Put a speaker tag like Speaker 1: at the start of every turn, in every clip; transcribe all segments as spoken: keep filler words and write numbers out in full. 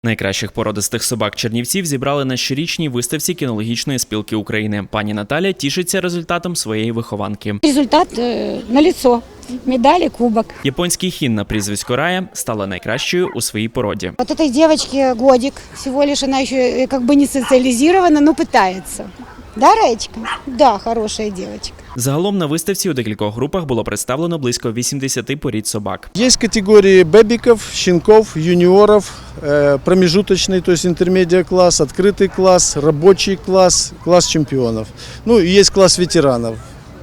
Speaker 1: Найкращих породистих собак чернівців зібрали на щорічній виставці кінологічної спілки України. Пані Наталя тішиться результатом своєї вихованки.
Speaker 2: Результат э, налицо. Медали, кубок.
Speaker 1: Японський хін на прізвисько Рая стала найкращою у своїй породі.
Speaker 2: Вот этой девочке годик. Всего лишь она еще как бы не социализирована, но пытается. Да, Раечка? Да, хорошая девочка.
Speaker 1: Загалом на виставці у декількох групах було представлено близько вісімдесят порід собак.
Speaker 3: Есть категории бэбиков, щенков, юниоров, э, промежуточный, то есть интермедиа класс, открытый класс, рабочий класс, класс чемпионов. Ну и есть класс ветеранов.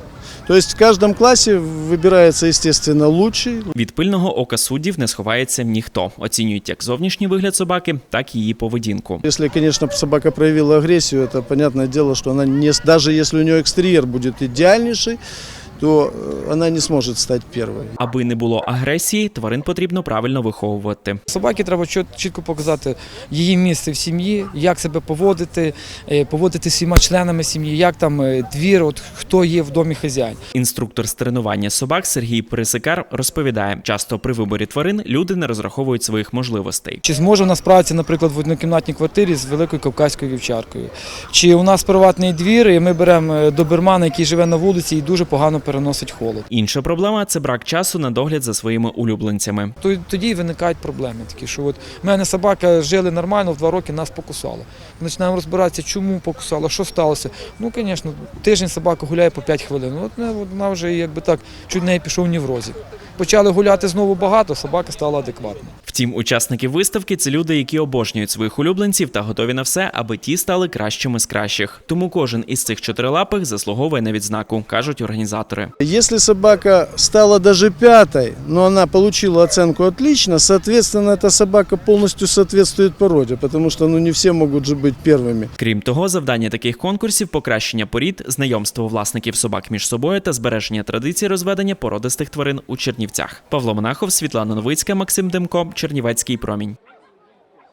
Speaker 3: То есть в каждом классе выбирается, естественно, лучший.
Speaker 1: Від пильного ока суддів не сховається ніхто. Оцінюють як зовнішній вигляд собаки, так і її поведінку.
Speaker 3: Если, конечно, собака проявила агрессию, это понятное дело, что она не, даже если у нее экстерьер будет идеальнейший, то она не сможет стать первой.
Speaker 1: Аби не було агресії, тварин потрібно правильно виховувати.
Speaker 4: Собаки треба чітко показати її місце в сім'ї, як себе поводити, поводити з всіма членами сім'ї, як там двір, от хто є в домі хазяїн.
Speaker 1: Інструктор з тренування собак Сергій Пересикар розповідає, часто при виборі тварин люди не розраховують своїх можливостей.
Speaker 4: Чи зможе у нас справитися, наприклад, в однокімнатній квартирі з великою кавказькою вівчаркою? Чи у нас приватний двір, і ми беремо добермана, який живе на вулиці і дуже погано переносить холод.
Speaker 1: Інша проблема – це брак часу на догляд за своїми улюбленцями.
Speaker 4: Тоді виникають проблеми такі, що от в мене собака жили нормально, в два роки нас покусала. Починаємо розбиратися, чому покусала, що сталося. Ну, звісно, тиждень собака гуляє по п'ять хвилин. От вона вже, якби так, чуть неї пішов неврозик. Почали гуляти знову багато, собака стала адекватна.
Speaker 1: Втім, учасники виставки – це люди, які обожнюють своїх улюбленців та готові на все, аби ті стали кращими з кращих. Тому кожен із цих чотирилапих заслуговує на відзнаку, кажуть організатори.
Speaker 3: Если собака стала даже пятой, но она получила оценку «отлично», соответственно, эта собака полностью соответствует породе, потому что ну, не все могут же быть первыми.
Speaker 1: Крім того, завдання таких конкурсів – покращення порід, знайомство власників собак між собою та збереження традицій розведення породистих тварин у Чернівцях. Павло Монахов, Світлана Новицька, Максим Демко, Чернівецький промінь.